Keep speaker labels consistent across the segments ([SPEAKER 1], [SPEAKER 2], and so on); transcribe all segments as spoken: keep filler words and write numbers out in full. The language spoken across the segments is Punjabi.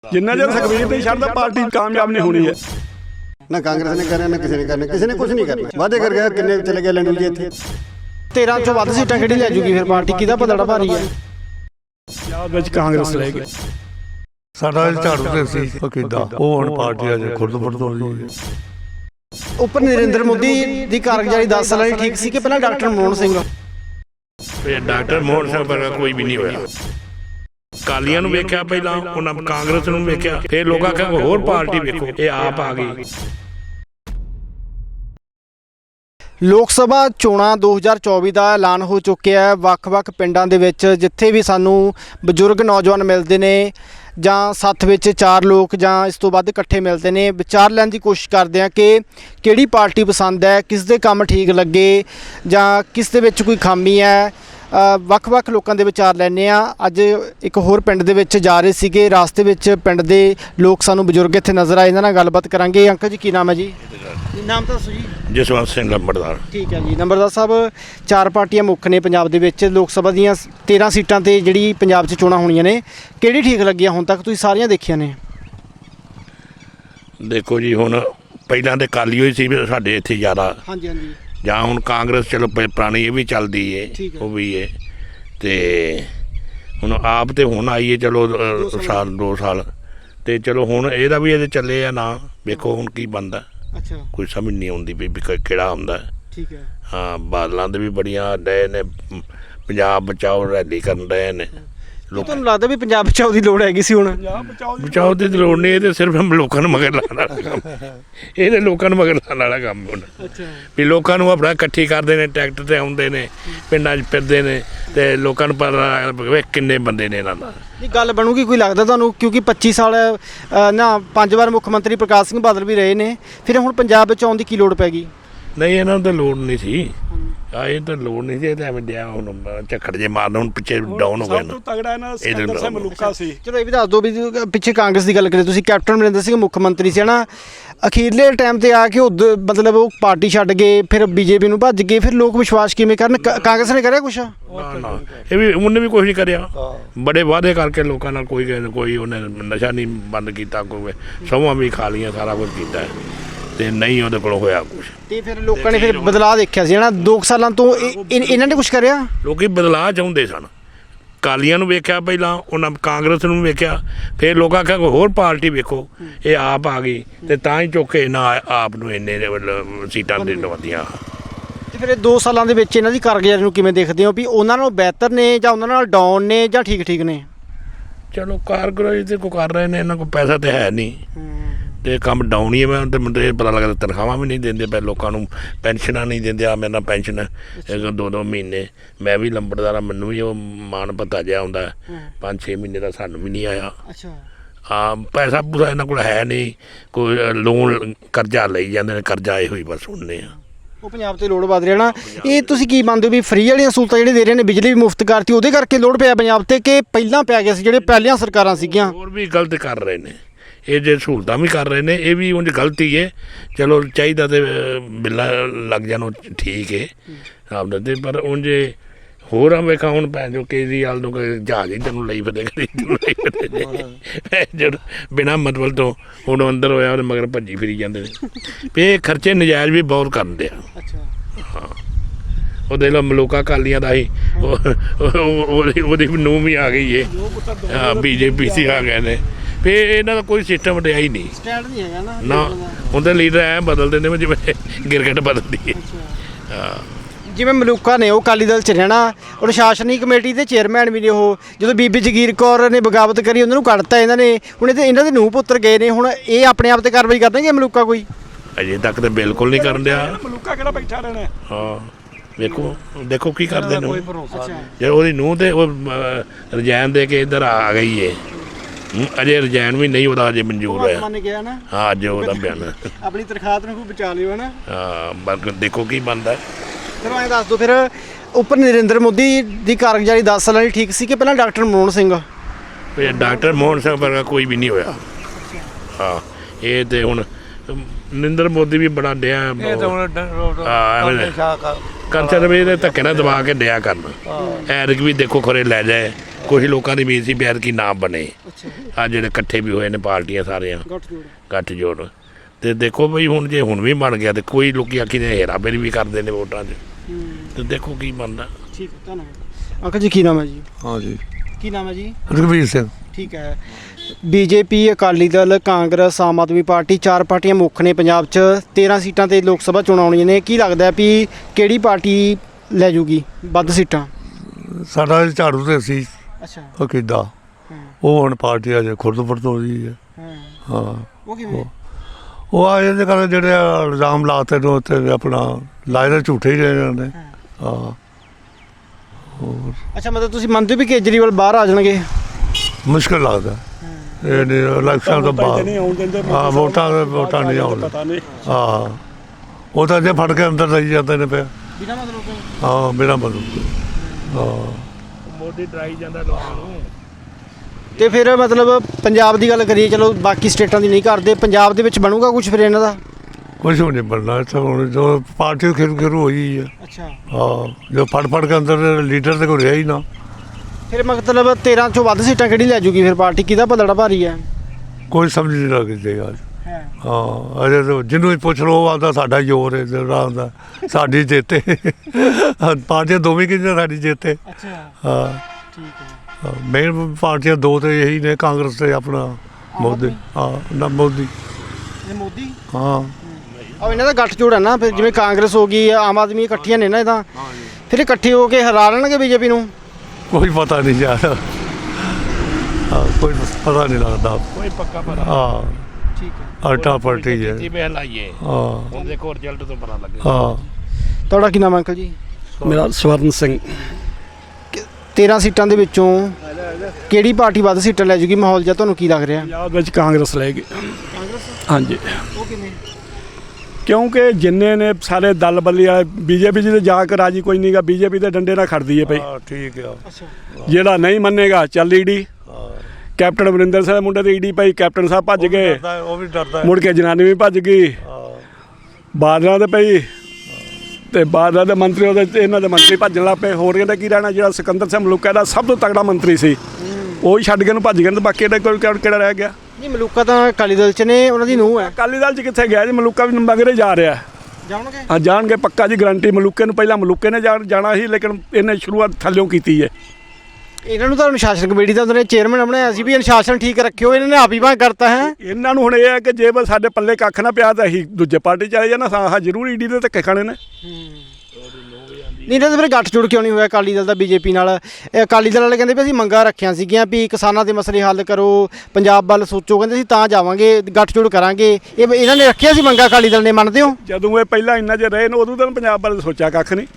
[SPEAKER 1] जिन्ना चर सुखबीर नहीं छड्डदा पार्टी कामयाब नहीं होनी है।
[SPEAKER 2] ना कांग्रेस ने करना ना किसी ने करना, किसी ने कुछ नहीं करना। वादे कर गए किन्ने चले गए लंडू जी इत्थे
[SPEAKER 3] तेरह चों वध सीटां किहड़ी लै जूगी फिर पार्टी किहदा पलड़ा भारी है?
[SPEAKER 1] ਪੰਜਾਬ ਵਿੱਚ ਕਾਂਗਰਸ ਲੈ ਗਈ।
[SPEAKER 4] ਸਾਡਾ ਝਾੜੂ ਤੇ ਸੀ ਕਿੱਦਾਂ ਉਹ ਹੁਣ ਪਾਰਟੀ ਅਜੇ ਖੁਰਦ ਫੁਰਦ ਹੋ ਰਹੀ ਹੈ।
[SPEAKER 3] ਉੱਪਰ ਨਰਿੰਦਰ ਮੋਦੀ ਦੀ ਕਾਰਗੁਜ਼ਾਰੀ ਦਸ ਸਾਲਾਂ ਦੀ ਠੀਕ ਸੀ ਕਿ ਪਹਿਲਾਂ ਡਾਕਟਰ ਮਨਮੋਹਨ ਸਿੰਘ?
[SPEAKER 5] ਡਾਕਟਰ ਮੋਹਨ ਸਿੰਘ ਵਰਗਾ ਕੋਈ ਵੀ ਨਹੀਂ ਹੋਇਆ। ਕਾਲੀਆਂ ਨੂੰ ਵੇਖਿਆ ਪਹਿਲਾਂ, ਉਹਨਾਂ ਕਾਂਗਰਸ ਨੂੰ ਵੇਖਿਆ, ਫਿਰ ਲੋਕਾਂ ਕਹਿੰਦੇ ਹੋਰ ਪਾਰਟੀ ਵੇਖੋ, ਇਹ ਆਪ ਆ ਗਈ।
[SPEAKER 3] ਲੋਕ ਸਭਾ ਚੋਣਾਂ ਦੋ ਹਜ਼ਾਰ ਚੌਵੀ ਦਾ ਐਲਾਨ ਹੋ ਚੁੱਕਿਆ ਹੈ। ਵੱਖ-ਵੱਖ ਪਿੰਡਾਂ ਦੇ ਵਿੱਚ ਜਿੱਥੇ ਵੀ ਸਾਨੂੰ ਬਜ਼ੁਰਗ ਨੌਜਵਾਨ ਮਿਲਦੇ ਨੇ ਜਾਂ ਸੱਥ ਵਿੱਚ ਚਾਰ ਲੋਕ ਜਾਂ ਇਸ ਤੋਂ ਵੱਧ ਇਕੱਠੇ ਮਿਲਦੇ ਨੇ, ਵਿਚਾਰ ਲੈਣ ਦੀ ਕੋਸ਼ਿਸ਼ ਕਰਦੇ ਆ ਕਿ ਕਿਹੜੀ ਪਾਰਟੀ ਪਸੰਦ ਹੈ, ਕਿਸ ਦੇ ਕੰਮ ਠੀਕ ਲੱਗੇ ਜਾਂ ਕਿਸ ਦੇ ਵਿੱਚ ਕੋਈ ਖਾਮੀ ਹੈ। ਵੱਖ-ਵੱਖ ਲੋਕਾਂ ਦੇ ਵਿਚਾਰ ਲੈਂਦੇ ਆ। ਅੱਜ ਇੱਕ ਹੋਰ ਪਿੰਡ ਦੇ ਵਿੱਚ ਜਾ ਰਹੇ ਸੀਗੇ, ਰਾਸਤੇ ਵਿੱਚ ਪਿੰਡ ਦੇ ਲੋਕ ਸਾਨੂੰ ਬਜ਼ੁਰਗ ਇੱਥੇ ਨਜ਼ਰ ਆਏ, ਇਹਨਾਂ ਨਾਲ ਗੱਲਬਾਤ ਕਰਾਂਗੇ। ਅੰਕਲ ਜੀ ਕੀ ਨਾਮ ਹੈ ਜੀ? ਨਾਮ ਤਾਂ ਦੱਸੋ ਜੀ।
[SPEAKER 5] ਜਸਵੰਤ ਸਿੰਘ ਲੰਬੜਦਾਰ।
[SPEAKER 3] ਠੀਕ ਹੈ ਜੀ। ਨੰਬਰਦਾਰ ਸਾਹਿਬ, ਚਾਰ ਪਾਰਟੀਆਂ ਮੁੱਖ ਨੇ ਪੰਜਾਬ ਦੇ ਵਿੱਚ, ਲੋਕ ਸਭਾ ਦੀਆਂ ਤੇਰ੍ਹਾਂ ਸੀਟਾਂ ਤੇ ਜਿਹੜੀ ਪੰਜਾਬ 'ਚ ਚੋਣਾਂ ਹੋਣੀਆਂ ਨੇ, ਕਿਹੜੀ ਠੀਕ ਲੱਗੀਆਂ ਹੁਣ ਤੱਕ? ਤੁਸੀਂ ਸਾਰੀਆਂ ਦੇਖੀਆਂ ਨੇ।
[SPEAKER 5] ਦੇਖੋ ਜੀ, ਹੁਣ ਪਹਿਲਾਂ ਤੇ ਕਾਲੀ ਹੋਈ ਸੀ ਸਾਡੇ ਇੱਥੇ ਜ਼ਿਆਦਾ,
[SPEAKER 3] ਹਾਂਜੀ ਹਾਂਜੀ।
[SPEAKER 5] ਜਾਂ ਹੁਣ ਕਾਂਗਰਸ ਚਲੋ ਪ- ਪੁਰਾਣੀ ਇਹ ਵੀ ਚੱਲਦੀ ਏ,
[SPEAKER 3] ਠੀਕ ਹੈ।
[SPEAKER 5] ਉਹ ਵੀ ਏ, ਤੇ ਹੁਣ ਆਪ ਤੇ ਹੁਣ ਆਈ ਏ ਚਲੋ ਅ, ਸਾਲ ਦੋ ਸਾਲ, ਤੇ ਚਲੋ ਹੁਣ ਇਹਦਾ ਵੀ ਇਹਦੇ ਚੱਲੇ ਆ ਨਾ, ਵੇਖੋ ਹੁਣ ਕੀ ਬਣਦਾ।
[SPEAKER 3] ਅੱਛਾ,
[SPEAKER 5] ਕੋਈ ਸਮਝ ਨਹੀਂ ਆਉਂਦੀ ਵੀ ਵੀ ਕ- ਕਿਹੜਾ ਹੁੰਦਾ।
[SPEAKER 3] ਠੀਕ ਹੈ।
[SPEAKER 5] ਹਾਂ, ਬਾਦਲਾਂ ਦੇ ਵੀ ਬੜੀਆਂ ਡਏ ਨੇ, ਪੰਜਾਬ ਬਚਾਓ ਰੈਲੀ ਕਰਨ ਡਏ ਨੇ
[SPEAKER 3] ਕੀ
[SPEAKER 5] ਲੋਕ।
[SPEAKER 3] ਤੁਹਾਨੂੰ ਲੱਗਦਾ ਵੀ ਪੰਜਾਬ ਬਚਾਓ ਦੀ ਲੋੜ ਹੈਗੀ ਸੀ ਹੁਣ?
[SPEAKER 5] ਬਚਾਓ ਦੀ ਲੋੜ ਨਹੀਂ, ਇਹ ਤੇ ਸਿਰਫ ਲੋਕਾਂ ਨੂੰ ਮਗਰ ਲਾਉਣ ਵਾਲਾ ਕੰਮ, ਇਹ ਤੇ ਲੋਕਾਂ ਨੂੰ ਮਗਰ ਲਾਉਣ ਵਾਲਾ ਕੰਮ ਹੁਣ।
[SPEAKER 3] ਅੱਛਾ।
[SPEAKER 5] ਵੀ ਲੋਕਾਂ ਨੂੰ ਆਪਣਾ ਇਕੱਠੀ ਕਰਦੇ ਨੇ, ਟਰੈਕਟਰ ਤੇ ਆਉਂਦੇ ਨੇ, ਪਿੰਡਾਂ 'ਚ ਫਿਰਦੇ ਨੇ, ਤੇ ਲੋਕਾਂ ਨੂੰ ਪਤਾ ਵੇ ਕਿੰਨੇ ਬੰਦੇ ਨੇ ਇਹਨਾਂ ਦਾ।
[SPEAKER 3] ਨਹੀਂ, ਗੱਲ ਬਣੂਗੀ ਕੋਈ ਲੱਗਦਾ ਤੁਹਾਨੂੰ? ਕਿਉਂਕਿ ਪੱਚੀ ਸਾਲ ਅ, ਨਾ ਪੰਜ ਵਾਰ ਮੁੱਖ ਮੰਤਰੀ ਪ੍ਰਕਾਸ਼ ਸਿੰਘ ਬਾਦਲ ਵੀ ਰਹੇ ਨੇ, ਫਿਰ ਹੁਣ ਪੰਜਾਬ ਵਿੱਚ ਆਉਣ ਦੀ ਕੀ ਲੋੜ ਪੈ ਗਈ?
[SPEAKER 5] ਨਹੀਂ, ਇਹਨਾਂ ਨੂੰ ਤਾਂ ਲੋੜ ਨਹੀਂ ਸੀ, ਆ ਇਹ ਤਾਂ ਲੋੜ ਨਹੀਂ ਸੀ, ਇਹ ਤਾਂ ਐਵੇਂ ਦਿਆ ਹੁਣ ਝੱਖੜ ਜੇ ਮਾਰਨ, ਹੁਣ ਪਿੱਛੇ ਡਾਊਨ ਹੋ ਗਏ
[SPEAKER 1] ਸਭ
[SPEAKER 5] ਨਾ।
[SPEAKER 1] ਤੋਂ ਤਗੜਾ ਇਹਨਾਂ
[SPEAKER 5] ਇਹਦੇ
[SPEAKER 1] ਸਿਕੰਦਰ ਸਿੰਘ
[SPEAKER 5] ਨਾਲ।
[SPEAKER 1] ਮਲੂਕਾ ਸੀ।
[SPEAKER 3] ਚਲੋ ਇਹ ਵੀ ਦੱਸ ਦਿਓ ਵੀ ਪਿੱਛੇ ਕਾਂਗਰਸ ਦੀ ਗੱਲ ਕਰੀਏ, ਤੁਸੀਂ ਕੈਪਟਨ ਅਮਰਿੰਦਰ ਸਿੰਘ ਮੁੱਖ ਮੰਤਰੀ ਸੀ ਨਾ, ਅਖੀਰਲੇ ਟਾਈਮ ਤੇ ਆ ਕੇ ਉਦ ਮਤਲਬ ਉਹ ਪਾਰਟੀ ਛੱਡ ਗਏ, ਫਿਰ ਬੀਜੇਪੀ ਨੂੰ ਭੱਜ ਗਏ, ਫਿਰ ਲੋਕ ਵਿਸ਼ਵਾਸ ਕਿਵੇਂ ਕਰਨ? ਕ- ਕਾਂਗਰਸ ਨੇ ਕਰਿਆ ਕੁਛ?
[SPEAKER 5] ਨਾ ਨਾ, ਇਹ ਵੀ ਉਹਨੇ ਵੀ ਕੁਛ ਨਹੀਂ ਕਰਿਆ। ਬੜੇ ਵਾਅਦੇ ਕਰਕੇ ਲੋਕਾਂ ਨਾਲ ਕੋਈ ਕੋਈ ਉਹਨੇ ਨਸ਼ਾ ਨਹੀਂ ਬੰਦ ਕੀਤਾ, ਕੋਈ ਸਹੁੰਆਂ ਵੀ ਖਾ ਲਈਆਂ, ਸਾਰਾ ਕੁਝ ਕੀਤਾ, ਤੇ ਨਹੀਂ ਉਹਦੇ ਕੋਲ ਹੋਇਆ ਕੁਛ।
[SPEAKER 3] ਤੇ ਫਿਰ ਲੋਕਾਂ ਨੇ ਫਿਰ ਬਦਲਾਅ ਦੇਖਿਆ ਸੀ ਨਾ ਦੋ ਕੁ ਸਾਲਾਂ ਤੋਂ, ਇਹ- ਇਹ- ਇਹਨਾਂ ਨੇ ਕੁਛ ਕਰਿਆ?
[SPEAKER 5] ਲੋਕੀ ਬਦਲਾਅ ਚਾਹੁੰਦੇ ਸਨ। ਕਾਲੀਆਂ ਨੂੰ ਵੇਖਿਆ ਪਹਿਲਾਂ, ਉਹਨਾਂ ਕਾਂਗਰਸ ਨੂੰ ਵੇਖਿਆ, ਫਿਰ ਲੋਕਾਂ ਕਹਿੰਦੇ ਹੋਰ ਪਾਰਟੀ ਵੇਖੋ, ਇਹ ਆਪ ਆ ਗਈ, ਤੇ ਤਾਂ ਹੀ ਚੁੱਕੇ ਨਾ ਆਪ ਨੂੰ ਇੰਨੇ ਮਤਲਬ ਸੀਟਾਂ ਦੇ ਲਵਾਦੀਆਂ।
[SPEAKER 3] ਤੇ ਫਿਰ ਇਹ ਦੋ ਸਾਲਾਂ ਦੇ ਵਿੱਚ ਇਹਨਾਂ ਦੀ ਕਾਰਗੁਜ਼ਾਰੀ ਨੂੰ ਕਿਵੇਂ ਦੇਖਦੇ ਹੋ? ਵੀ ਉਹਨਾਂ ਨਾਲੋਂ ਬਿਹਤਰ ਨੇ ਜਾਂ ਉਹਨਾਂ ਨਾਲ ਡਾਊਨ ਨੇ ਜਾਂ ਠੀਕ ਠੀਕ ਨੇ?
[SPEAKER 5] ਚਲੋ ਕਾਰਗੁਜ਼ਾਰੀ ਤੇ ਕੋ ਕਰ ਰਹੇ ਨੇ, ਇਹਨਾਂ ਕੋਲ ਪੈਸਾ ਤੇ ਹੈ ਨਹੀਂ, ਤੇ ਕੰਮ ਡਾਊਨ ਹੀ ਹੈ। ਮੈਂ ਤੇ ਮੈਨੂੰ ਇਹ ਪਤਾ ਲੱਗਦਾ ਤਨਖਾਹਾਂ ਵੀ ਨਹੀਂ ਦਿੰਦੇ ਪਏ ਲੋਕਾਂ ਨੂੰ, ਪੈਨਸ਼ਨਾਂ ਨਹੀਂ ਦਿੰਦੇ। ਆ ਮੇਰੇ ਨਾਲ ਪੈਨਸ਼ਨ ਹੈ ਦੋ ਦੋ ਮਹੀਨੇ, ਮੈਂ ਵੀ ਲੰਬੜਦਾਰ ਹਾਂ, ਮੈਨੂੰ ਵੀ ਉਹ ਮਾਣ ਪਤਾ ਜਿਹਾ ਆਉਂਦਾ, ਪੰਜ ਛੇ ਮਹੀਨੇ ਦਾ ਸਾਨੂੰ ਵੀ ਨਹੀਂ ਆਇਆ।
[SPEAKER 3] ਅੱਛਾ।
[SPEAKER 5] ਹਾਂ, ਪੈਸਾ ਪੂਰਾ ਇਹਨਾਂ ਕੋਲ ਹੈ ਨਹੀਂ, ਕੋਈ ਲੋਨ ਕਰਜ਼ਾ ਲਈ ਜਾਂਦੇ ਨੇ, ਕਰਜ਼ਾ ਇਹੋ ਹੀ ਬਸ ਸੁਣਨੇ ਆ।
[SPEAKER 3] ਉਹ ਪੰਜਾਬ ਤੇ ਲੋੜ ਵੱਧ ਰਿਹਾ ਨਾ। ਇਹ ਤੁਸੀਂ ਕੀ ਮੰਨਦੇ ਹੋ ਵੀ ਫਰੀ ਵਾਲੀਆਂ ਸਹੂਲਤਾਂ ਜਿਹੜੇ ਦੇ ਰਹੇ ਨੇ, ਬਿਜਲੀ ਵੀ ਮੁਫਤ ਕਰਤੀ, ਉਹਦੇ ਕਰਕੇ ਲੋੜ ਪਿਆ ਪੰਜਾਬ ਤੇ, ਕਿ ਪਹਿਲਾਂ ਪੈ ਗਿਆ ਸੀ ਜਿਹੜੇ ਪਹਿਲੀਆਂ ਸਰਕਾਰਾਂ ਸੀਗੀਆਂ?
[SPEAKER 5] ਹੋਰ ਵੀ ਗਲਤ ਕਰ ਰਹੇ ਨੇ ਇਹ, ਜੇ ਸਹੂਲਤਾਂ ਵੀ ਕਰ ਰਹੇ ਨੇ, ਇਹ ਵੀ ਉਂਝ ਗਲਤੀ ਹੈ। ਚਲੋ ਚਾਹੀਦਾ ਤੇ ਬਿੱਲਾਂ ਲੱਗ ਜਾਣ, ਉਹ ਠੀਕ ਹੈ ਆਪਦੇ ਤੇ, ਪਰ ਉਂਝ ਹੋਰ ਆ ਵੇਖਾ ਹੁਣ ਭੈਣ ਜੋ ਕੇਜਰੀਵਾਲ ਨੂੰ ਕੋਈ ਜਹਾਜ਼ ਹੀ ਤੈਨੂੰ ਲਈ ਫਿਰਦੇ, ਕਰੀ ਤੈਨੂੰ ਲਈ ਫਿਰਦੇ ਜਦ ਬਿਨਾਂ ਮਤਲਬ ਤੋਂ ਹੁਣ ਅੰਦਰ ਹੋਇਆ ਉਹਦੇ ਮਗਰ ਭੱਜੀ ਫਿਰੀ ਜਾਂਦੇ ਨੇ। ਵੀ ਇਹ ਖਰਚੇ ਨਜਾਇਜ਼ ਵੀ ਬਹੁਤ ਕਰਦੇ ਆ।
[SPEAKER 3] ਅੱਛਾ।
[SPEAKER 5] ਹਾਂ, ਉਹ ਦੇਖ ਲਓ ਮਲੂਕਾ ਕਾਲੀਆਂ ਦਾ ਹੀ, ਉਹਦੀ ਉਹਦੀ ਨੂੰਹ ਵੀ ਆ ਗਈ ਏ, ਹਾਂ ਬੀਜੇਪੀ ਸੀ ਆ ਗਏ ਨੇ। ਫਿਰ ਇਹਨਾਂ ਦਾ ਕੋਈ ਸਿਸਟਮ ਵਟਿਆ ਹੀ ਨਹੀਂ,
[SPEAKER 3] ਸਟੈਂਡ ਨਹੀਂ ਹੈਗਾ ਨਾ
[SPEAKER 5] ਨਾ ਉਹਦੇ ਲੀਡਰ ਐ ਬਦਲ ਦਿੰਦੇ ਨੇ ਜਿਵੇਂ ਗਿਰਗਟ ਬਦਲਦੀ ਹੈ। ਹਾਂ,
[SPEAKER 3] ਜਿਵੇਂ ਮਲੂਕਾ ਨੇ ਉਹ ਅਕਾਲੀ ਦਲ ਚ ਰਹਿਣਾ, ਅਨੁਸ਼ਾਸਨੀ ਕਮੇਟੀ ਦੇ ਚੇਅਰਮੈਨ ਵੀ ਨੇ ਉਹ, ਜਦੋਂ ਬੀਬੀ ਜਗੀਰ ਕੌਰ ਨੇ ਬਗਾਵਤ ਕਰੀ ਉਹਨਾਂ ਨੂੰ ਕੱਢਤਾ ਇਹਨਾਂ ਨੇ, ਹੁਣ ਇਹਦੇ ਇਹਨਾਂ ਦੇ ਨੂੰਹ ਪੁੱਤਰ ਗਏ ਨੇ, ਹੁਣ ਇਹ ਆਪਣੇ ਆਪ ਤੇ ਕਾਰਵਾਈ ਕਰਨਗੇ ਮਲੂਕਾ ਕੋਈ?
[SPEAKER 5] ਅਜੇ ਤੱਕ ਤੇ ਬਿਲਕੁਲ ਨਹੀਂ ਕਰਨ ਡਿਆ।
[SPEAKER 1] ਮਲੂਕਾ ਕਿਹੜਾ ਬੈਠਾ ਰਹਿਣਾ?
[SPEAKER 5] ਹਾਂ, ਵੇਖੋ ਦੇਖੋ ਕੀ ਕਰਦੇ ਨੇ।
[SPEAKER 3] ਅੱਛਾ।
[SPEAKER 5] ਜੇ ਉਹਦੀ ਨੂੰਹ ਤੇ ਉਹ ਰਜਾਇਨ ਦੇ ਕੇ ਇੱਧਰ ਆ ਗਈ ਏ, ਅਜੇ ਰਜਾਇਨ ਵੀ ਨਹੀਂ ਉਹਦਾ ਅਜੇ ਮਨਜ਼ੂਰ ਹੋਇਆ।
[SPEAKER 3] ਮੰਨ ਗਿਆ ਨਾ।
[SPEAKER 5] ਹਾਂ, ਅੱਜ ਉਹਦਾ ਬਿਆਨ।
[SPEAKER 3] ਆਪਣੀ ਤਰਖਾਤ ਨੂੰ ਬਚਾ ਲਿਓ ਨਾ।
[SPEAKER 5] ਹਾਂ, ਬਸ ਦੇਖੋ ਕੀ ਬਣਦਾ।
[SPEAKER 3] ਫਿਰ ਐਂ ਦੱਸ ਦਿਓ, ਫਿਰ ਉੱਪਰ ਨਰਿੰਦਰ ਮੋਦੀ ਦੀ ਕਾਰਗੁਜ਼ਾਰੀ ਦਸ ਸਾਲਾਂ ਦੀ ਠੀਕ ਸੀ ਕਿ ਪਹਿਲਾਂ ਡਾਕਟਰ ਮਨਮੋਹਨ ਸਿੰਘ?
[SPEAKER 5] ਇਹ ਡਾਕਟਰ ਮੋਹਨ ਸਿੰਘ ਵਰਗਾ ਕੋਈ ਵੀ ਨਹੀਂ ਹੋਇਆ। ਹਾਂ, ਇਹ ਤੇ ਹੁਣ ਨਰਿੰਦਰ ਮੋਦੀ ਵੀ ਬੜਾ ਡਿਆ, ਕੰਸਰਵੇਟਿਵ ਦੇ ਧੱਕੇ ਨਾਲ ਦਬਾ ਕੇ ਡਿਆ ਕਰਨਾ। ਐਰਕ ਵੀ ਦੇਖੋ ਖਰੇ ਲੈ ਜਾਏ, ਕੁਝ ਲੋਕਾਂ ਦੀ ਉਮੀਦ ਸੀ ਵੀ ਐਤਕੀ ਨਾ ਬਣੇ ਆ ਜਿਹੜੇ ਇਕੱਠੇ ਵੀ ਹੋਏ ਨੇ ਪਾਰਟੀਆਂ ਸਾਰੀਆਂ ਗੱਠ ਜੋੜ ਤੇ ਦੇਖੋ ਬਈ ਹੁਣ ਜੇ ਹੁਣ ਵੀ ਬਣ ਗਿਆ ਤੇ ਕੋਈ ਲੋਕੀ ਆਖੀ ਨੇ ਹੇਰਾਫੇਰੀ ਵੀ ਕਰਦੇ ਨੇ ਵੋਟਾਂ 'ਚ ਤੇ ਦੇਖੋ ਕੀ ਬਣਦਾ।
[SPEAKER 3] ਠੀਕ ਹੈ, ਧੰਨਵਾਦ। ਅੰਕਲ ਜੀ ਕੀ ਨਾਮ ਹੈ ਜੀ?
[SPEAKER 4] ਹਾਂ ਜੀ,
[SPEAKER 3] ਕੀ ਨਾਮ ਹੈ ਜੀ?
[SPEAKER 4] ਰਘਵੀਰ ਸਿੰਘ।
[SPEAKER 3] ਠੀਕ ਹੈ। ਬੀਜੇਪੀ, ਅਕਾਲੀ ਦਲ, ਕਾਂਗਰਸ, ਆਮ ਆਦਮੀ ਪਾਰਟੀ ਚਾਰ ਪਾਰਟੀਆਂ ਮੁੱਖ ਨੇ ਪੰਜਾਬ 'ਚ। ਤੇਰ੍ਹਾਂ ਸੀਟਾਂ ਤੇ ਲੋਕ ਸਭਾ ਚੋਣਾਂ ਆਉਣੀਆਂ ਨੇ। ਕੀ ਲੱਗਦਾ ਵੀ ਕਿਹੜੀ ਪਾਰਟੀ ਲੈ ਜੂਗੀ ਵੱਧ ਸੀਟਾਂ?
[SPEAKER 4] ਸਾਡਾ ਝਾੜੂ ਤੇ ਸੀ
[SPEAKER 3] ਅੱਛਾ,
[SPEAKER 4] ਅਕੀਦਾ, ਉਹ ਹੁਣ ਪਾਰਟੀ ਅਜੇ ਖੁਰਦ ਫੁਰਦ ਹੋ ਰਹੀ ਹੈ। ਹਾਂ,
[SPEAKER 3] ਉਹ ਕਿਵੇਂ?
[SPEAKER 4] ਉਹ ਆ ਇਹਦੇ ਕਰਕੇ ਜਿਹੜੇ ਇਲਜ਼ਾਮ ਲਾਤੇ ਨੇ ਉੱਤੇ ਆਪਣਾ ਲਾਏ ਤਾਂ ਝੂਠੇ ਹੀ ਰਹੇ ਨੇ। ਹਾਂ, ਹੋਰ
[SPEAKER 3] ਅੱਛਾ, ਮਤਲਬ ਤੁਸੀਂ ਮੰਨਦੇ ਵੀ ਕੇਜਰੀਵਾਲ ਬਾਹਰ ਆ ਜਾਣਗੇ?
[SPEAKER 4] ਮੁਸ਼ਕਿਲ ਲੱਗਦਾ ਇਹ ਨਹੀਂ ਇਲੈਕਸ਼ਨ ਤੋਂ ਬਾਅਦ। ਹਾਂ, ਵੋਟਾਂ ਵੋਟਾਂ ਨਹੀਂ ਆਉਣ। ਹਾਂ, ਉਹ ਤਾਂ ਜੇ ਫੜ ਕੇ ਅੰਦਰ ਰਹੀ ਜਾਂਦੇ ਨੇ ਪਿਆ
[SPEAKER 3] ਬਿਨਾਂ ਮਤਲਬ ਤੋਂ।
[SPEAKER 4] ਹਾਂ, ਬਿਨਾਂ ਮਤਲਬ। ਹਾਂ,
[SPEAKER 5] ਮੋਦੀ ਡਰਾਈ ਜਾਂਦਾ ਲੋਕਾਂ ਨੂੰ।
[SPEAKER 3] ਤੇ ਫਿਰ ਮਤਲਬ ਪੰਜਾਬ ਦੀ ਗੱਲ ਕਰੀਏ, ਚਲੋ ਬਾਕੀ ਸਟੇਟਾਂ ਦੀ ਨਹੀਂ ਕਰਦੇ, ਪੰਜਾਬ ਦੇ ਵਿੱਚ ਬਣੂਗਾ ਕੁਝ ਫਿਰ ਇਹਨਾਂ ਦਾ?
[SPEAKER 4] ਕੁਛ ਵੀ ਨਹੀਂ ਬਣਨਾ ਇੱਥੇ ਹੁਣ, ਜੋ ਪਾਰਟੀ ਖਿਰੂ ਖਿਰੂ ਹੋਈ ਹੈ।
[SPEAKER 3] ਅੱਛਾ,
[SPEAKER 4] ਹਾਂ, ਜੋ ਫੜ ਫੜ ਕੇ ਅੰਦਰ ਲੀਡਰ ਤੇ ਕੋਈ ਰਿਹਾ ਹੀ ਨਾ।
[SPEAKER 3] ਫਿਰ ਮਤਲਬ ਤੇਰ੍ਹਾਂ ਚੋਂ ਵੱਧ ਸੀਟਾਂ ਕਿਹੜੀ ਲੈ ਜੂਗੀ ਫਿਰ ਪਾਰਟੀ? ਕਿਹਦਾ ਪਲੜਾ ਭਾਰੀ ਹੈ?
[SPEAKER 4] ਕੋਈ ਸਮਝ ਨਹੀਂ ਲੱਗਦੀ ਅੱਜ। ਹਾਂ, ਅਜੇ ਤਾਂ ਜਿਹਨੂੰ ਵੀ ਪੁੱਛ ਲਓ ਉਹ ਆਉਂਦਾ ਸਾਡਾ ਜ਼ੋਰ ਹੈ ਜਿਹੜਾ ਆਉਂਦਾ ਸਾਡੀ ਜਿੱਤੇ। ਪਾਰਟੀਆਂ ਦੋਵੇਂ ਕਿਹਨਾਂ ਸਾਡੀ ਜਿੱਤੇ।
[SPEAKER 3] ਅੱਛਾ,
[SPEAKER 4] ਹਾਂ,
[SPEAKER 3] ਠੀਕ ਹੈ।
[SPEAKER 4] ਮੇਨ ਪਾਰਟੀਆਂ ਦੋ ਤੇ ਇਹੀ ਨੇ, ਕਾਂਗਰਸ ਤੇ ਆਪਣਾ ਮੋਦੀ। ਹਾਂ, ਨਾ ਮੋਦੀ।
[SPEAKER 3] ਇਹ ਮੋਦੀ?
[SPEAKER 4] ਹਾਂ,
[SPEAKER 3] ਆ ਇਹਨਾਂ ਦਾ ਗੱਠ ਜੋੜ ਹੈ ਨਾ, ਫਿਰ ਜਿਵੇਂ ਕਾਂਗਰਸ ਹੋ ਗਈ, ਆਮ ਆਦਮੀ ਇਕੱਠੀਆਂ ਨੇ ਨਾ, ਇਹ ਤਾਂ ਫਿਰ ਇਕੱਠੇ ਹੋ ਕੇ ਹਰਾ ਲੈਣਗੇ ਬੀਜੇਪੀ ਨੂੰ?
[SPEAKER 4] ਕੋਈ ਪਤਾ ਨਹੀਂ ਯਾਰ। ਹਾਂ, ਕੋਈ ਪਤਾ ਨਹੀਂ ਲੱਗਦਾ
[SPEAKER 5] ਕੋਈ ਪੱਕਾ ਪਤਾ।
[SPEAKER 4] ਹਾਂ,
[SPEAKER 3] ਠੀਕ ਹੈ।
[SPEAKER 4] ਅਲਟਾ ਪਲਟੀ ਹੈ।
[SPEAKER 5] ਜੀ ਬਹਿਲਾਈਏ।
[SPEAKER 4] ਹਾਂ,
[SPEAKER 5] ਹੁਣ ਦੇਖੋ ਰਿਜ਼ਲਟ ਤੋਂ ਪਤਾ ਲੱਗੇ।
[SPEAKER 4] ਹਾਂ।
[SPEAKER 3] ਤੁਹਾਡਾ ਕੀ ਨਾਮ ਹੈ ਅੰਕਲ ਜੀ?
[SPEAKER 1] ਮੇਰਾ ਸਵਰਨ ਸਿੰਘ।
[SPEAKER 3] ਤੇਰ੍ਹਾਂ ਸੀਟਾਂ ਦੇ ਵਿੱਚੋਂ ਕਿਹੜੀ ਪਾਰਟੀ ਵੱਧ ਸੀਟਾਂ ਲੈ ਜੂਗੀ? ਮਾਹੌਲ ਜਿਹਾ ਤੁਹਾਨੂੰ ਕੀ ਲੱਗ ਰਿਹਾ?
[SPEAKER 1] ਪੰਜਾਬ ਵਿੱਚ ਕਾਂਗਰਸ ਲਏਗੀ।
[SPEAKER 3] ਕਾਂਗਰਸ?
[SPEAKER 1] ਹਾਂਜੀ,
[SPEAKER 3] ਉਹ ਕਿਵੇਂ?
[SPEAKER 1] ਕਿਉਂਕਿ ਜਿੰਨੇ ਨੇ ਸਾਰੇ ਦਲ ਬੱਲੀ ਵਾਲੇ ਬੀਜੇਪੀ ਜੀ ਤੇ ਜਾ ਕੇ ਰਾਜੀ ਕੋਈ ਨਹੀਂਗਾ। ਬੀਜੇਪੀ ਦੇ ਡੰਡੇ ਨਾਲ ਖੜਦੀ ਹੈ ਪਈ।
[SPEAKER 4] ਹਾਂ, ਠੀਕ ਆ।
[SPEAKER 3] ਅੱਛਾ,
[SPEAKER 1] ਜਿਹੜਾ ਨਹੀਂ ਮੰਨੇਗਾ ਚੱਲ ਈਡੀ। ਕੈਪਟਨ ਅਮਰਿੰਦਰ ਸਿੰਘ ਦੇ ਮੁੰਡੇ ਤੇ ਈਡੀ ਪਈ, ਕੈਪਟਨ ਸਾਹਿਬ ਭੱਜ ਗਏ,
[SPEAKER 4] ਉਹ ਵੀ ਡਰਦਾ।
[SPEAKER 1] ਮੁੜ ਕੇ ਜਨਾਨੀ ਵੀ ਭੱਜ ਗਈ। ਬਾਦਲਾਂ ਦੇ ਪਈ ਤੇ ਬਾਦਲਾਂ ਦੇ ਮੰਤਰੀ ਉਹਦੇ ਇਹਨਾਂ ਦੇ ਮੰਤਰੀ ਭੱਜਣ ਲੱਗ ਪਏ। ਹੋਰ ਕਹਿੰਦੇ ਕੀ ਰਹਿਣਾ? ਜਿਹੜਾ ਸਿਕੰਦਰ ਸਿੰਘ ਮਲੂਕਾ ਦਾ ਸਭ ਤੋਂ ਤਗੜਾ ਮੰਤਰੀ ਸੀ ਉਹ ਹੀ ਛੱਡ ਕੇ ਨੂੰ ਭੱਜ ਗਏ, ਤੇ ਬਾਕੀ ਇਹਦਾ ਕੋਈ ਕਿਹੜਾ ਰਹਿ ਗਿਆ?
[SPEAKER 3] ਨਹੀਂ, ਮਲੂਕਾ ਤਾਂ ਅਕਾਲੀ ਦਲ 'ਚ ਨੇ, ਉਹਨਾਂ ਦੀ ਨੂੰਹ ਹੈ।
[SPEAKER 1] ਅਕਾਲੀ ਦਲ 'ਚ ਕਿੱਥੇ ਗਿਆ ਜੀ? ਮਲੂਕਾ ਵੀ ਮਗਰੇ ਜਾ ਰਿਹਾ।
[SPEAKER 3] ਜਾਣਗੇ?
[SPEAKER 1] ਹਾਂ, ਜਾਣਗੇ ਪੱਕਾ ਜੀ, ਗਰੰਟੀ। ਮਲੂਕੇ ਨੂੰ ਪਹਿਲਾਂ ਮਲੂਕੇ ਨੇ ਜਾਣ ਜਾਣਾ ਸੀ, ਲੇਕਿਨ ਇਹਨੇ ਸ਼ੁਰੂਆਤ ਥੱਲਿਓਂ ਕੀਤੀ ਹੈ।
[SPEAKER 3] ਇਹਨਾਂ ਨੂੰ ਤਾਂ ਅਨੁਸ਼ਾਸਨ ਕਮੇਟੀ ਦਾ ਉਹਨਾਂ ਨੇ ਚੇਅਰਮੈਨ ਬਣਾਇਆ ਸੀ ਵੀ ਅਨੁਸ਼ਾਸਨ ਠੀਕ ਰੱਖਿਓ, ਇਹਨਾਂ ਨੇ ਆਪ ਹੀ ਭੰਗ ਕਰਤਾ ਹੈ।
[SPEAKER 1] ਇਹਨਾਂ ਨੂੰ ਹੁਣ ਇਹ ਹੈ ਕਿ ਜੇ ਬਸ ਸਾਡੇ ਪੱਲੇ ਕੱਖ ਨਾ ਪਿਆ ਤਾਂ ਅਸੀਂ ਦੂਜੇ ਪਾਰਟੀ ਚਲੇ ਜਾਣਾ। ਆਹ ਜ਼ਰੂਰ ਈਡੀ ਦੇ ਧੱਕੇ ਖਾਣੇ ਨੇ।
[SPEAKER 3] ਨਹੀਂ ਤਾਂ ਫਿਰ ਗੱਠ ਜੁੜ ਕਿਉਂ ਨਹੀਂ ਹੋਇਆ ਅਕਾਲੀ ਦਲ ਦਾ ਬੀਜੇਪੀ ਨਾਲ? ਇਹ ਅਕਾਲੀ ਦਲ ਵਾਲੇ ਕਹਿੰਦੇ ਵੀ ਅਸੀਂ ਮੰਗਾਂ ਰੱਖੀਆਂ ਸੀਗੀਆਂ ਵੀ ਕਿਸਾਨਾਂ ਦੇ ਮਸਲੇ ਹੱਲ ਕਰੋ, ਪੰਜਾਬ ਵੱਲ ਸੋਚੋ, ਕਹਿੰਦੇ ਸੀ ਤਾਂ ਜਾਵਾਂਗੇ, ਗੱਠ ਜੁੜ ਕਰਾਂਗੇ। ਇਹ ਇਹਨਾਂ ਨੇ ਰੱਖਿਆ ਸੀ ਮੰਗਾਂ, ਅਕਾਲੀ ਦਲ ਨੇ, ਮੰਨਦੇ ਹੋ?
[SPEAKER 1] ਜਦੋਂ ਇਹ ਪਹਿਲਾਂ ਇੰਨਾ ਜੇ ਰਹੇ ਨੇ ਉਦੋਂ ਤਾਂ ਪੰਜਾਬ ਬਾਰੇ ਸੋਚਿਆ ਕੱਖ ਨਹੀਂ।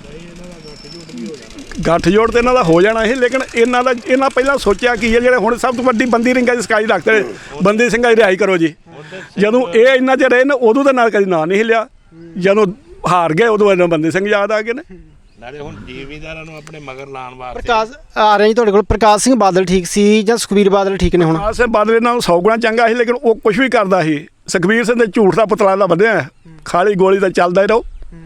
[SPEAKER 1] ਗੱਠ ਜੋੜ ਤੇ ਇਹਨਾਂ ਦਾ ਹੋ ਜਾਣਾ ਸੀ, ਲੇਕਿਨ ਇਹਨਾਂ ਦਾ ਇਹਨਾਂ ਪਹਿਲਾਂ ਸੋਚਿਆ ਕੀ ਹੈ? ਜਿਹੜੇ ਹੁਣ ਸਭ ਤੋਂ ਵੱਡੀ ਬੰਦੀ ਰਿੰਗਾਂ ਦੀ ਸਕਾਈ ਰੱਖਦੇ ਬੰਦੀ ਸਿੰਘਾਂ ਦੀ ਰਿਹਾਈ ਕਰੋ ਜੀ। ਜਦੋਂ ਇਹ ਇੰਨਾ ਜੇ ਰਹੇ ਨੇ ਉਦੋਂ ਤਾਂ ਨਾਲ ਕਦੀ ਨਾਂ ਨਹੀਂ ਹਿੱਲਿਆ। ਜਦੋਂ ਹਾਰ ਗਏ ਉਦੋਂ ਇਹਨਾਂ ਬੰਦੀ ਸਿੰਘ ਯਾਦ ਆ ਗਏ ਨੇ।
[SPEAKER 5] ਨਾਲੇ ਹੁਣ ਜ਼ਿਮੀਂਦਾਰਾਂ ਨੂੰ ਆਪਣੇ ਮਗਰ ਲਾਉਣ ਵਾਸਤੇ
[SPEAKER 3] ਪ੍ਰਕਾਸ਼ ਆ ਰਹੇ ਜੀ ਤੁਹਾਡੇ ਕੋਲ। ਪ੍ਰਕਾਸ਼ ਸਿੰਘ ਬਾਦਲ ਠੀਕ ਸੀ ਜਾਂ ਸੁਖਬੀਰ ਬਾਦਲ ਠੀਕ ਨੇ ਹੁਣ?
[SPEAKER 1] ਪ੍ਰਕਾਸ਼ ਸਿੰਘ ਬਾਦਲ ਨਾਲ ਸੌ ਗੁਣਾ ਚੰਗਾ ਸੀ, ਲੇਕਿਨ ਉਹ ਕੁਝ ਵੀ ਕਰਦਾ ਸੀ। ਸੁਖਬੀਰ ਸਿੰਘ ਦੇ ਝੂਠ ਦਾ ਪੁਤਲਾ ਦਾ ਬੰਨਿਆ, ਖਾਲੀ ਗੋਲੀ ਦਾ ਚੱਲਦਾ ਹੀ ਰਹੋ।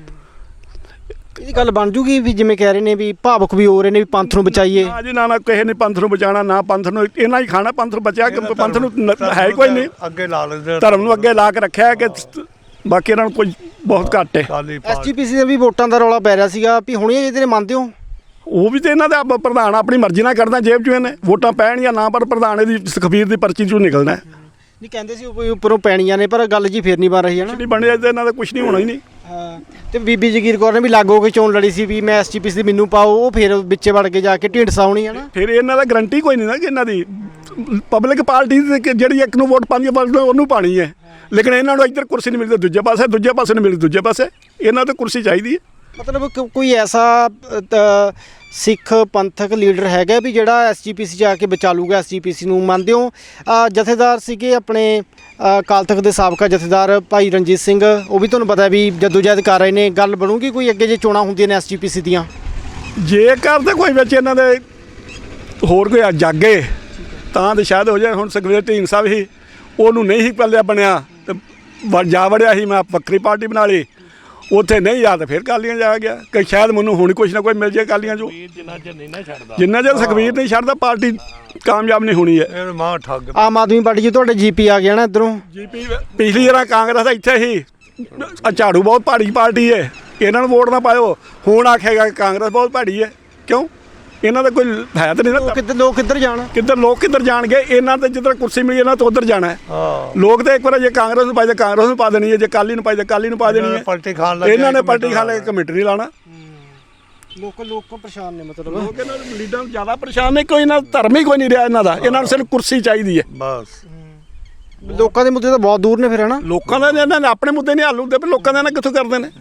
[SPEAKER 3] ਇਹ ਗੱਲ ਬਣ ਜੂਗੀ ਵੀ ਜਿਵੇਂ ਕਹਿ ਰਹੇ ਨੇ ਵੀ ਭਾਵੁਕ ਵੀ ਹੋ ਰਹੇ ਨੇ ਵੀ ਪੰਥ ਨੂੰ ਬਚਾਈਏ?
[SPEAKER 1] ਨਾ ਜੀ, ਨਾ ਨਾ, ਕਿਸੇ ਨੇ ਪੰਥ ਨੂੰ ਬਚਾਉਣਾ, ਨਾ ਪੰਥ ਨੂੰ ਇਹਨਾਂ ਹੀ ਖਾਣਾ। ਪੰਥ ਨੂੰ ਬਚਿਆ ਕਿ ਪੰਥ ਨੂੰ ਹੈ ਹੀ ਕੋਈ ਨਹੀਂ।
[SPEAKER 4] ਅੱਗੇ ਲਾ ਲੈਂਦੇ,
[SPEAKER 1] ਧਰਮ ਨੂੰ ਅੱਗੇ ਲਾ ਕੇ ਰੱਖਿਆ ਕਿ ਬਾਕੀ ਇਹਨਾਂ ਨੂੰ ਕੋਈ ਬਹੁਤ ਘੱਟ ਹੈ।
[SPEAKER 3] ਐਸਜੀਪੀਸੀ ਦੇ ਵੀ ਵੋਟਾਂ ਦਾ ਰੌਲਾ ਪੈ ਰਿਹਾ ਸੀਗਾ ਵੀ ਹੁਣ ਇਹ ਇਹਦੇ ਮੰਨਦੇ ਹੋ?
[SPEAKER 1] ਉਹ ਵੀ ਤੇ ਇਹਨਾਂ ਦਾ ਪ੍ਰਧਾਨ ਆਪਣੀ ਮਰਜ਼ੀ ਨਾਲ ਕਰਦਾ, ਜੇਬ 'ਚੋਂ ਇਹਨੇ ਵੋਟਾਂ ਪੈਣ ਜਾਂ ਨਾ, ਪਰ ਪ੍ਰਧਾਨ ਇਹਦੀ ਸੁਖਬੀਰ ਦੀ ਪਰਚੀ 'ਚੋਂ ਨਿਕਲਣਾ।
[SPEAKER 3] ਨਹੀਂ, ਕਹਿੰਦੇ ਸੀ ਕੋਈ ਉੱਪਰੋਂ ਪੈਣੀਆਂ ਨੇ, ਪਰ ਗੱਲ ਜੀ ਫੇਰ ਨਹੀਂ ਬਣ ਰਹੀ ਹੈ ਨਾ।
[SPEAKER 1] ਨਹੀਂ ਬਣਿਆ ਤੇ ਇਹਨਾਂ ਦਾ ਕੁਝ ਨਹੀਂ ਹੋਣਾ ਹੀ ਨਹੀਂ।
[SPEAKER 3] ਹਾਂ, ਤੇ ਬੀਬੀ ਜਗੀਰ ਕੌਰ ਨੇ ਵੀ ਲਾਗੋ ਕੇ ਚੋਣ ਲੜੀ ਸੀ ਵੀ ਮੈਂ ਐਸਜੀਪੀਸੀ ਦੀ ਮੈਨੂੰ ਪਾਓ, ਉਹ ਫਿਰ ਵਿੱਚੇ ਵੜ ਕੇ ਜਾ ਕੇ ਢੀਂਡਸਾ ਹੋਣੀ ਹੈ ਨਾ।
[SPEAKER 1] ਫਿਰ ਇਹਨਾਂ ਦਾ ਗਰੰਟੀ ਕੋਈ ਨਹੀਂ ਨਾ ਕਿ ਇਹਨਾਂ ਦੀ ਪਬਲਿਕ ਪਾਰਟੀ ਜਿਹੜੀ ਇੱਕ ਨੂੰ ਵੋਟ ਪਾਉਂਦੀ ਹੈ ਉਹਨੂੰ ਪਾਣੀ ਹੈ, ਲੇਕਿਨ ਇਹਨਾਂ ਨੂੰ ਇੱਧਰ ਕੁਰਸੀ ਨਹੀਂ ਮਿਲਦੀ, ਦੂਜੇ ਪਾਸੇ ਦੂਜੇ ਪਾਸੇ ਨਹੀਂ ਮਿਲਦੀ, ਦੂਜੇ ਪਾਸੇ ਇਹਨਾਂ ਤੋਂ ਕੁਰਸੀ ਚਾਹੀਦੀ ਹੈ।
[SPEAKER 3] ਮਤਲਬ ਕੋਈ ਐਸਾ ਸਿੱਖ ਪੰਥਕ ਲੀਡਰ ਹੈਗਾ ਵੀ ਜਿਹੜਾ ਐਸਜੀਪੀਸੀ ਜਾ ਕੇ ਬਚਾ ਲੂਗਾ ਐਸਜੀਪੀਸੀ ਨੂੰ, ਮੰਨਦੇ ਹੋ? ਜਥੇਦਾਰ ਸੀਗੇ ਆਪਣੇ ਅਕਾਲ ਤਖਤ ਦੇ ਸਾਬਕਾ ਜਥੇਦਾਰ ਭਾਈ ਰਣਜੀਤ ਸਿੰਘ, ਉਹ ਵੀ ਤੁਹਾਨੂੰ ਪਤਾ ਵੀ ਜਦੋਜਹਿਦ ਕਰ ਰਹੇ ਨੇ। ਗੱਲ ਬਣੂਗੀ ਕੋਈ ਅੱਗੇ ਜੇ ਚੋਣਾਂ ਹੁੰਦੀਆਂ ਨੇ ਐਸਜੀਪੀਸੀ ਦੀਆਂ?
[SPEAKER 1] ਜੇਕਰ ਤਾਂ ਕੋਈ ਵਿੱਚ ਇਹਨਾਂ ਦੇ ਹੋਰ ਕੋਈ ਜਾਗੇ ਤਾਂ ਤੇ ਸ਼ਾਇਦ ਹੋ ਜਾਏ। ਹੁਣ ਸੁਖਬੀਰ ਢੀਂਡਸਾ ਵੀ ਉਹਨੂੰ ਨਹੀਂ ਹੀ ਪੱਲਿਆ ਬਣਿਆ ਤੇ ਜਾ ਵੜਿਆ ਸੀ, ਮੈਂ ਵੱਖਰੀ ਪਾਰਟੀ ਬਣਾ ਲਈ। ਉੱਥੇ ਨਹੀਂ ਆ ਤਾਂ ਫਿਰ ਅਕਾਲੀਆਂ ਜਾ ਗਿਆ ਕਿ ਸ਼ਾਇਦ ਮੈਨੂੰ ਹੁਣ ਕੁਛ ਨਾ ਕੋਈ ਮਿਲ ਜਾਏ ਅਕਾਲੀਆਂ ਚੋਂ।
[SPEAKER 5] ਜਿੰਨਾ ਚਿਰ ਨਹੀਂ ਨਾ ਛੱਡਦਾ
[SPEAKER 1] ਜਿੰਨਾ ਚਿਰ ਸੁਖਬੀਰ ਨਹੀਂ ਛੱਡਦਾ ਪਾਰਟੀ ਕਾਮਯਾਬ ਨਹੀਂ ਹੋਣੀ ਹੈ।
[SPEAKER 4] ਇਹ ਮਾਂ ਠੱਗ
[SPEAKER 3] ਆਮ ਆਦਮੀ ਪਾਰਟੀ 'ਚ ਤੁਹਾਡੇ ਜੀਪੀ ਆ ਗਿਆ ਨਾ ਇੱਧਰੋਂ।
[SPEAKER 1] ਜੀਪੀ ਪਿਛਲੀ ਵਾਰ ਕਾਂਗਰਸ ਦਾ ਇੱਥੇ ਹੀ ਆਹ ਝਾੜੂ ਬਹੁਤ ਭਾੜੀ ਪਾਰਟੀ ਹੈ, ਇਹਨਾਂ ਨੂੰ ਵੋਟ ਨਾ ਪਾਇਓ। ਹੁਣ ਆਖੇਗਾ ਕਿ ਕਾਂਗਰਸ ਬਹੁਤ ਭਾੜੀ ਹੈ, ਕਿਉਂ? ਇਹਨਾਂ ਦਾ ਕੋਈ ਹੈ ਤਾਂ ਨਹੀਂ
[SPEAKER 3] ਲੋਕ
[SPEAKER 1] ਨਾ।
[SPEAKER 3] ਕਿੱਧਰ ਲੋਕ ਕਿੱਧਰ ਜਾਣ?
[SPEAKER 1] ਕਿੱਧਰ ਲੋਕ ਕਿੱਧਰ ਜਾਣਗੇ? ਇਹਨਾਂ ਤੇ ਜਿੱਧਰ ਕੁਰਸੀ ਮਿਲੀ ਇਹਨਾਂ ਤੋਂ ਉਧਰ ਜਾਣਾ ਹੈ।
[SPEAKER 4] ਹਾਂ
[SPEAKER 1] ਲੋਕ ਤੇ ਇੱਕ ਵਾਰ ਜੇ ਕਾਂਗਰਸ ਨੂੰ ਪਾਈ ਤਾਂ ਕਾਂਗਰਸ ਨੂੰ ਪਾ ਦੇਣੀ ਹੈ, ਜੇ ਅਕਾਲੀ ਨੂੰ ਪਾਈ ਤਾਂ ਅਕਾਲੀ ਨੂੰ ਪਾ ਦੇਣੀ ਹੈ।
[SPEAKER 4] ਪਲਟੀ ਖਾਣ ਲੱਗ
[SPEAKER 1] ਇਹਨਾਂ ਨੇ ਪਲਟੀ ਖਾ ਲੈ ਕੇ ਕਮੇਟੀ ਨਹੀਂ ਲਾਣਾ।
[SPEAKER 3] ਲੋਕ ਲੋਕ ਪਰੇਸ਼ਾਨ ਨੇ ਮਤਲਬ।
[SPEAKER 1] ਲੋਕ ਇਹਨਾਂ ਨੂੰ ਲੀਡਰਾਂ ਨੂੰ ਜ਼ਿਆਦਾ ਪਰੇਸ਼ਾਨ ਨੇ, ਕੋਈ ਇਹਨਾਂ ਦਾ ਧਰਮ ਹੀ ਕੋਈ ਨਹੀਂ ਰਿਹਾ ਇਹਨਾਂ ਦਾ। ਇਹਨਾਂ ਨੂੰ ਸਿਰਫ ਕੁਰਸੀ ਚਾਹੀਦੀ ਹੈ।
[SPEAKER 4] ਬਸ
[SPEAKER 3] ਲੋਕਾਂ ਦੇ ਮੁੱਦੇ ਤਾਂ ਬਹੁਤ ਦੂਰ ਨੇ ਫਿਰ ਹਨਾ।
[SPEAKER 1] ਲੋਕਾਂ ਦਾ ਇਹਨਾਂ ਨੇ ਆਪਣੇ ਮੁੱਦੇ ਨਹੀਂ ਹੱਲ ਹੁੰਦੇ, ਪਰ ਲੋਕਾਂ ਦੇ ਇਹਨਾਂ ਕਿੱਥੋਂ ਕਰਦੇ ਨੇ?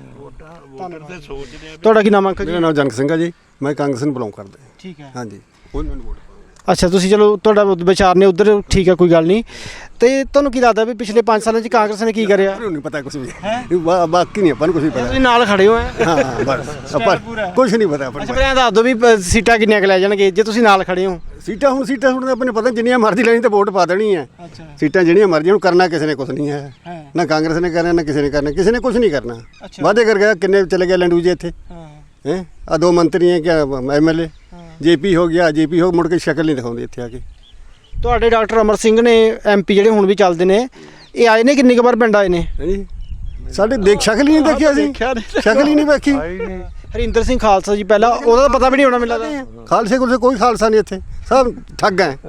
[SPEAKER 3] ਤੁਹਾਡਾ ਕੀ ਨਾਮ ਅੰਕਲ ਜੀ?
[SPEAKER 2] ਮੇਰਾ ਨਾਮ ਜਨਕ ਸਿੰਘ ਆ ਜੀ, ਮੈਂ ਕਾਂਗਰਸ ਨੂੰ ਬਿਲੋਂਗ ਕਰਦਾ।
[SPEAKER 3] ਠੀਕ ਹੈ।
[SPEAKER 2] ਹਾਂਜੀ ਉਹਨਾਂ ਨੂੰ ਵੋਟ
[SPEAKER 3] ਅੱਛਾ, ਤੁਸੀਂ ਚਲੋ ਤੁਹਾਡਾ ਵਿਚਾਰ ਨੇ ਉਧਰ, ਠੀਕ ਹੈ, ਕੋਈ ਗੱਲ ਨਹੀਂ। ਤੇ ਤੁਹਾਨੂੰ ਕੀ ਲੱਗਦਾ ਵੀ ਪਿਛਲੇ ਪੰਜ ਸਾਲਾਂ 'ਚ ਕਾਂਗਰਸ ਨੇ ਕੀ ਕਰਿਆ?
[SPEAKER 2] ਪਾਉ ਨਹੀਂ ਪਤਾ ਕੁਝ ਵੀ ਬਾ- ਬਾਕੀ ਨਹੀਂ ਆਪਾਂ ਨੂੰ ਕੁਝ ਵੀ ਪਤਾ।
[SPEAKER 3] ਤੁਸੀਂ ਨਾਲ ਖੜੇ ਹੋ ਹੈ।
[SPEAKER 2] ਹਾਂ ਹਾਂ, ਬਸ ਆਪਾਂ ਕੁਝ ਨਹੀਂ ਪਤਾ ਆਪਾਂ
[SPEAKER 3] ਅੱਛਾ,
[SPEAKER 2] ਨੂੰ।
[SPEAKER 3] ਫਿਰ ਐਂ ਦੱਸ ਦਿਓ ਵੀ ਅ, ਸੀਟਾਂ ਕਿੰਨੀਆਂ ਕੁ ਲੈ ਜਾਣਗੇ ਜੇ ਤੁਸੀਂ ਨਾਲ ਖੜੇ ਹੋ?
[SPEAKER 2] ਸੀਟਾਂ ਹੁਣ ਸੀਟਾਂ ਹੁਣ ਆਪਾਂ ਨੂੰ ਪਤਾ, ਜਿੰਨੀਆਂ ਮਰਜ਼ੀ ਲੈਣੀ ਤਾਂ ਵੋਟ ਪਾ ਦੇਣੀ ਹੈ।
[SPEAKER 3] ਅੱਛਾ
[SPEAKER 2] ਸੀਟਾਂ ਜਿਹੜੀਆਂ ਮਰਜ਼ੀ, ਹੁਣ ਕਰਨਾ ਕਿਸੇ ਨੇ ਕੁਝ ਨਹੀਂ ਹੈ। ਨਾ ਕਾਂਗਰਸ ਨੇ ਕਰਨਾ, ਨਾ ਕਿਸੇ ਨੇ ਕਰਨਾ, ਕਿਸੇ ਨੇ ਕੁਝ ਨਹੀਂ ਕਰਨਾ।
[SPEAKER 3] ਅੱਛਾ।
[SPEAKER 2] ਵਾਅਦੇ ਕਰ ਗਿਆ, ਕਿੰਨੇ ਚਲੇ ਗਏ ਲੰਡੂ ਜੀ ਇੱਥੇ
[SPEAKER 3] ਹਾਂ
[SPEAKER 2] ਹੈ। ਆ ਦੋ ਮੰਤਰੀ ਹੈ, ਕਿਆ ਐਮ ਐਲ ਏ ਜੇਪੀ ਹੋ ਗਿਆ, ਜੇਪੀ ਹੋ ਮੁੜ ਕੇ ਸ਼ਕਲ ਨਹੀਂ ਦਿਖਾਉਂਦੇ ਇੱਥੇ ਆ ਕੇ।
[SPEAKER 3] ਤੁਹਾਡੇ ਡਾਕਟਰ ਅਮਰ ਸਿੰਘ ਨੇ ਐਮਪੀ ਜਿਹੜੇ ਹੁਣ ਵੀ ਚੱਲਦੇ ਨੇ, ਇਹ ਆਏ ਨੇ ਕਿੰਨੀ ਕੁ ਵਾਰ ਪਿੰਡ ਆਏ ਨੇ?
[SPEAKER 2] ਹਾਂਜੀ ਸਾਡੇ ਦੇਖ ਸ਼ਕਲ ਹੀ ਨਹੀਂ ਦੇਖਿਆ ਸੀ, ਸ਼ਕਲ ਹੀ ਨਹੀਂ ਵੇਖੀ।
[SPEAKER 3] ਹਰਿੰਦਰ ਸਿੰਘ ਖਾਲਸਾ ਜੀ ਪਹਿਲਾਂ, ਉਹਦਾ ਤਾਂ ਪਤਾ ਵੀ ਨਹੀਂ ਹੋਣਾ ਮੈਨੂੰ ਲੱਗਦਾ।
[SPEAKER 2] ਖਾਲਸੇ ਕੋਲ ਕੋਈ ਖਾਲਸਾ ਨਹੀਂ ਇੱਥੇ, ਸਭ ਠੱਗ ਹੈ।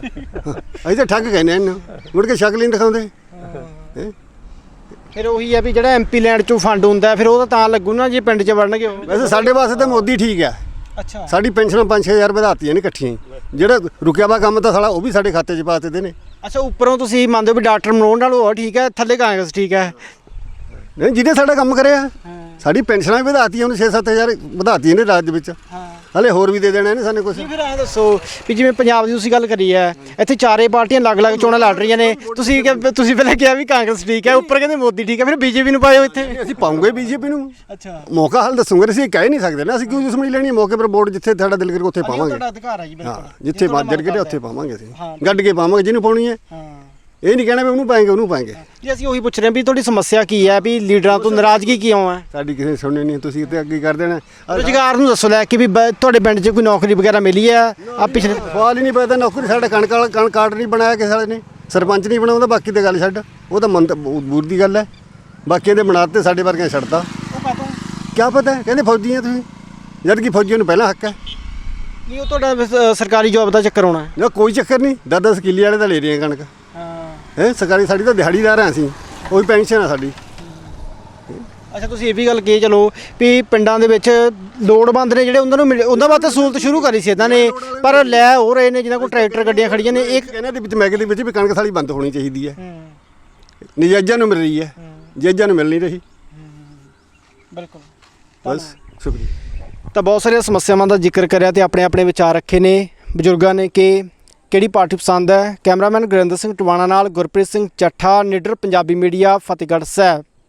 [SPEAKER 2] ਅਸੀਂ ਤਾਂ ਠੱਗ ਕਹਿੰਦੇ ਇਹਨੂੰ, ਮੁੜ ਕੇ ਸ਼ਕਲ ਹੀ ਨਹੀਂ ਦਿਖਾਉਂਦੇ। ਹੈਂ?
[SPEAKER 3] ਫਿਰ ਉਹੀ ਹੈ ਵੀ ਜਿਹੜਾ ਐਮਪੀ ਲੈਂਡ ਚੋਂ ਫੰਡ ਹੁੰਦਾ ਫਿਰ ਉਹ ਤਾਂ ਤਾਂ ਲੱਗੂ ਨਾ ਜੇ ਪਿੰਡ 'ਚ ਵੜਨਗੇ ਉਹ।
[SPEAKER 2] ਵੈਸੇ ਸਾਡੇ ਵਾਸਤੇ ਤਾਂ ਮੋਦੀ ਠੀਕ ਹੈ।
[SPEAKER 3] ਅੱਛਾ।
[SPEAKER 2] ਸਾਡੀ ਪੈਨਸ਼ਨਾਂ ਪੰਜ ਛੇ ਹਜ਼ਾਰ ਵਧਾਤੀਆਂ ਨੇ ਇਕੱਠੀਆਂ ਹੀ। ਜਿਹੜਾ ਰੁਕਿਆ ਵਾ ਕੰਮ ਤਾਂ ਸਾਲਾ ਉਹ ਵੀ ਸਾਡੇ ਖਾਤੇ 'ਚ ਪਾ ਦਿੱਤੇ ਨੇ।
[SPEAKER 3] ਅੱਛਾ, ਉੱਪਰੋਂ ਤੁਸੀਂ ਮੰਨਦੇ ਹੋ ਵੀ ਡਾਕਟਰ ਮਨੋਹਰ ਨਾਲ ਉਹ ਠੀਕ ਹੈ, ਥੱਲੇ ਕਾਂਗਰਸ ਠੀਕ ਹੈ?
[SPEAKER 2] ਨਹੀਂ, ਜਿਹਨੇ ਸਾਡਾ ਕੰਮ ਕਰਿਆ, ਸਾਡੀ ਪੈਨਸ਼ਨਾਂ ਵੀ ਵਧਾਤੀਆਂ ਉਹਨੇ ਛੇ ਸੱਤ ਹਜ਼ਾਰ ਵਧਾਤੀਆਂ ਨੇ ਰਾਜ ਦੇ ਵਿੱਚ।
[SPEAKER 3] ਹਾਂ।
[SPEAKER 2] ਹਲੇ ਹੋਰ ਵੀ ਦੇ ਦੇਣਾ ਇਹਨੇ ਸਾਨੂੰ ਕੁਝ।
[SPEAKER 3] ਨਹੀਂ, ਫਿਰ ਐਂ ਦੱਸੋ ਵੀ ਜਿਵੇਂ ਪੰਜਾਬ ਦੀ ਤੁਸੀਂ ਗੱਲ ਕਰੀ ਹੈ, ਇੱਥੇ ਚਾਰੇ ਪਾਰਟੀਆਂ ਅਲੱਗ-ਅਲੱਗ ਚੋਣਾਂ ਲੜ ਰਹੀਆਂ ਨੇ, ਤੁਸੀਂ ਕਿ- ਤੁਸੀਂ ਪਹਿਲਾਂ ਕਿਹਾ ਵੀ ਕਾਂਗਰਸ ਠੀਕ ਹੈ, ਉੱਪਰ ਕਹਿੰਦੇ ਮੋਦੀ ਠੀਕ ਹੈ, ਫਿਰ ਬੀਜੇਪੀ ਨੂੰ ਪਾਇਓ ਇੱਥੇ।
[SPEAKER 2] ਅਸੀਂ ਪਾਉਂਗੇ ਬੀਜੇਪੀ ਨੂੰ।
[SPEAKER 3] ਅੱਛਾ,
[SPEAKER 2] ਮੌਕਾ ਹੱਲ ਦੱਸੂਗੇ, ਅਸੀਂ ਕਹਿ ਨਹੀਂ ਸਕਦੇ ਨਾ ਅਸੀਂ ਕਿਉਂ ਦੁਸ਼ਮਣੀ ਲੈਣੀ ਹੈ। ਮੌਕੇ ਪਰ ਵੋਟ ਜਿੱਥੇ ਸਾਡਾ ਦਿਲ ਕਰੇ ਉੱਥੇ ਪਾਵਾਂਗੇ।
[SPEAKER 3] ਤੁਹਾਡਾ ਅਧਿਕਾਰ ਹੈ ਜੀ
[SPEAKER 2] ਹਾਂ,
[SPEAKER 3] ਬਿਲਕੁਲ।
[SPEAKER 2] ਜਿੱਥੇ ਮੱਜਰ ਕੇ ਉੱਥੇ ਪਾਵਾਂਗੇ ਅਸੀਂ,
[SPEAKER 3] ਹਾਂ।
[SPEAKER 2] ਗੱਡ ਕੇ ਪਾਵਾਂਗੇ ਜਿਹਨੂੰ ਪਾਉਣੀ ਹੈ।
[SPEAKER 3] ਹਾਂ
[SPEAKER 2] ਇਹ ਨਹੀਂ ਕਹਿਣਾ ਵੀ ਉਹਨੂੰ ਪਾਏਂਗੇ ਉਹਨੂੰ ਪਾਏਂਗੇ।
[SPEAKER 3] ਜੀ, ਅਸੀਂ ਉਹੀ ਪੁੱਛ ਰਹੇ ਹਾਂ ਵੀ ਤੁਹਾਡੀ ਸਮੱਸਿਆ ਕੀ ਹੈ, ਵੀ ਲੀਡਰਾਂ ਤੋਂ ਨਾਰਾਜ਼ਗੀ ਕਿਉਂ ਹੈ?
[SPEAKER 2] ਸਾਡੀ ਕਿਸੇ ਨੇ ਸੁਣਨੀ ਨਹੀਂ, ਤੁਸੀਂ ਤੇ ਅੱਗੇ ਕਰ ਦੇਣਾ।
[SPEAKER 3] ਰੁਜ਼ਗਾਰ ਨੂੰ ਦੱਸੋ ਲੈ ਕੇ ਵੀ ਬ- ਤੁਹਾਡੇ ਪਿੰਡ 'ਚ ਕੋਈ ਨੌਕਰੀ ਵਗੈਰਾ ਮਿਲੀ ਹੈ ਆ ਪਿਛਲੇ?
[SPEAKER 2] ਸਵਾਲ ਹੀ ਨਹੀਂ ਪਤਾ, ਨੌਕਰੀ ਸਾਡਾ ਕਣਕ ਵਾਲਾ ਕਣ ਕਾਰਡ ਨਹੀਂ ਬਣਾਇਆ ਕਿਸੇ ਵਾਲੇ ਨੇ, ਸਰਪੰਚ ਨਹੀਂ ਬਣਾਉਂਦਾ। ਬਾਕੀ ਤੇ ਗੱਲ ਛੱਡ, ਉਹ ਤਾਂ ਮੰਤ ਬੂਰ ਦੀ ਗੱਲ ਹੈ। ਬਾਕੀ ਦੇ ਬਣਾਤੇ, ਸਾਡੇ ਵਰਗੇ ਛੱਡਤਾ।
[SPEAKER 3] ਉਹ ਕਾਹਤੋਂ?
[SPEAKER 2] ਕਿਆ ਪਤਾ, ਕਹਿੰਦੇ ਫੌਜੀ ਆ ਤੁਸੀਂ, ਜਦ ਕਿ ਫੌਜੀਆਂ ਨੂੰ ਪਹਿਲਾਂ ਹੱਕ ਹੈ।
[SPEAKER 3] ਨਹੀਂ, ਉਹ ਤੁਹਾਡਾ ਅ, ਸਰਕਾਰੀ ਜੌਬ ਦਾ ਚੱਕਰ ਹੋਣਾ।
[SPEAKER 2] ਨਾ ਕੋਈ ਚੱਕਰ ਨਹੀਂ, ਦਸ ਦਸ ਕਿੱਲੇ ਵਾਲੇ ਤਾਂ ਲੈ ਰਹੇ ਆ ਕਣਕ।
[SPEAKER 3] ਹਾਂ।
[SPEAKER 2] ਹੈ ਸਰਕਾਰੀ, ਸਾਡੀ ਤਾਂ ਦਿਹਾੜੀਦਾਰ ਹਾਂ ਅਸੀਂ, ਉਹੀ ਪੈਨਸ਼ਨ ਆ ਸਾਡੀ।
[SPEAKER 3] ਅੱਛਾ, ਤੁਸੀਂ ਇਹ ਵੀ ਗੱਲ ਕਹੀ ਚਲੋ ਵੀ ਪਿੰਡਾਂ ਦੇ ਵਿੱਚ ਲੋੜਵੰਦ ਨੇ ਜਿਹੜੇ ਉਹਨਾਂ ਨੂੰ ਮਿਲੇ, ਉਹਨਾਂ ਵਾਸਤੇ ਸਹੂਲਤ ਸ਼ੁਰੂ ਕਰੀ ਸੀ ਇਹਨਾਂ ਨੇ, ਪਰ ਲੈ ਹੋ ਰਹੇ ਨੇ ਜਿਹਨਾਂ ਕੋਲ ਟਰੈਕਟਰ ਗੱਡੀਆਂ ਖੜੀਆਂ ਨੇ। ਇੱਕ
[SPEAKER 2] ਕਹਿੰਦੇ ਦੇ ਵਿੱਚ ਮੈਗੇ ਦੇ ਵਿੱਚ ਵੀ ਕਣਕ ਸਾਲੀ ਬੰਦ ਹੋਣੀ ਚਾਹੀਦੀ ਹੈ। ਨਜਾਇਜ਼ਾਂ ਨੂੰ ਮਿਲ ਰਹੀ ਹੈ, ਜਾਇਜ਼ਾਂ ਨੂੰ ਮਿਲ ਨਹੀਂ ਰਹੀ।
[SPEAKER 3] ਬਿਲਕੁਲ।
[SPEAKER 2] ਬਸ ਸ਼ੁਕਰੀਆ।
[SPEAKER 3] ਤਾਂ ਬਹੁਤ ਸਾਰੀਆਂ ਸਮੱਸਿਆਵਾਂ ਦਾ ਜ਼ਿਕਰ ਕਰਿਆ ਤੇ ਆਪਣੇ ਆਪਣੇ ਵਿਚਾਰ ਰੱਖੇ ਨੇ ਬਜ਼ੁਰਗਾਂ ਨੇ ਕਿ ਕਿਹੜੀ ਪਾਰਟੀ ਪਸੰਦ ਹੈ। ਕੈਮਰਾਮੈਨ ਗੁਰਿੰਦਰ ਸਿੰਘ ਟਵਾਣਾ ਨਾਲ ਗੁਰਪ੍ਰੀਤ ਸਿੰਘ ਚੱਠਾ, ਨਿਡਰ ਪੰਜਾਬੀ ਮੀਡੀਆ, ਫਤਿਹਗੜ੍ਹ ਸਾਹਿਬ।